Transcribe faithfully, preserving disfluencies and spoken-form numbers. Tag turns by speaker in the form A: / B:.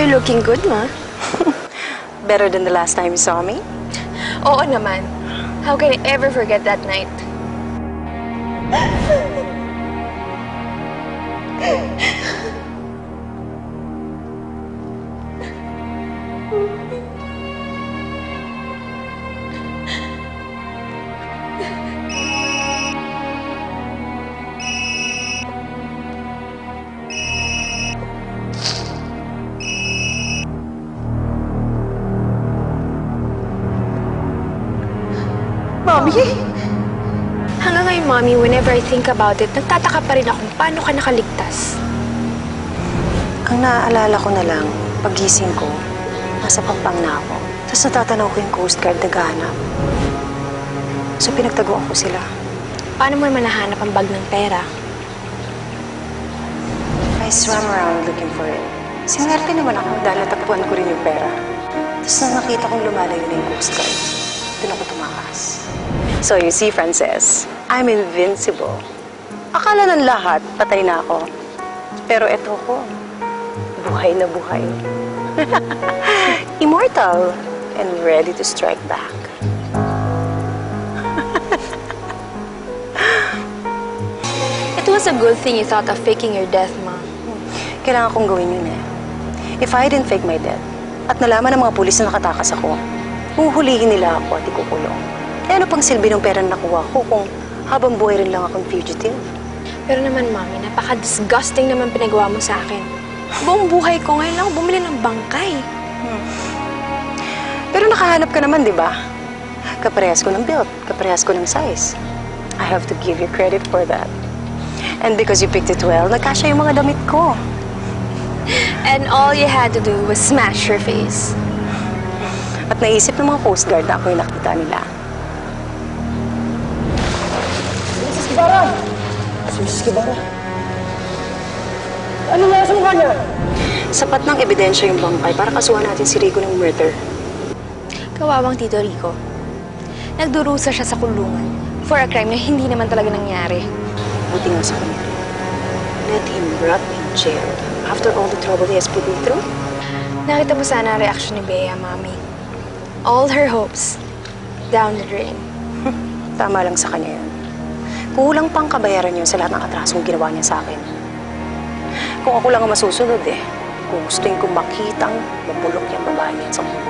A: You're looking good, ma.
B: Better than the last time you saw me?
A: Oo naman. How can I ever forget that night?
B: Mommy?
A: Hanggang ngayon, Mommy, whenever I think about it, nagtataka pa rin ako kung paano ka nakaligtas.
B: Ang naaalala ko na lang, pagising ko, nasa Pampang na ako. Tapos natatanaw ko yung Coast Guard naghahanap. So pinagtaguan ko sila.
A: Paano mo naman nahanap ang bag ng pera?
B: I swam around looking for it. Sinwerte naman ako dahil natagpuan ko rin yung pera. Tapos nang nakita kong lumalayo na yung Coast Guard, doon ako tumakas. So you see, Frances, I'm invincible. Akala ng lahat, patay na ako. Pero eto ko, buhay na buhay. Immortal and ready to strike back.
A: It was a good thing you thought of faking your death, Ma.
B: Kailangan kong gawin yun eh. If I didn't fake my death, at nalaman ng mga pulis na nakatakas ako, huhulihin nila ako at ikukulong. Eh ano pang silbi ng pera na nakuha ko kung habang buhay rin lang akong fugitive?
A: Pero naman, Mami, napaka-disgusting naman pinagawa mo sa akin. Buong buhay ko ngayon lang ako bumili ng bangkay.
B: Hmm. Pero nakahanap ka naman, di ba? Kaparehas ko ng build, kaparehas ko ng size. I have to give you credit for that. And because you picked it well, nagkasya yung mga damit ko.
A: And all you had to do was smash your face.
B: At naisip ng mga Coast Guard na ako yung nakita nila.
C: Misis Kibara! Misis Kibara! Ano nga sa mukha niya?
B: Sapat ng ebidensya yung bangkay para kasuhan natin si Rico ng murder.
A: Kawawang Tito Rico. Nagdurusa siya sa kulungan for a crime na hindi naman talaga nangyari.
B: Buti nga sa kanya. Let him rot in jail after all the trouble he has put me through.
A: Nakita mo sana ang reaksyon ni Bea, Mami. All her hopes down the drain.
B: Tama lang sa kanya yun. Kulang pang kabayaran yun sa lahat ng atrasong ginawa niya sa akin. Kung ako lang ang masusunod eh, gugustuhin kong makitang mabulok yung babae niya sa mundo.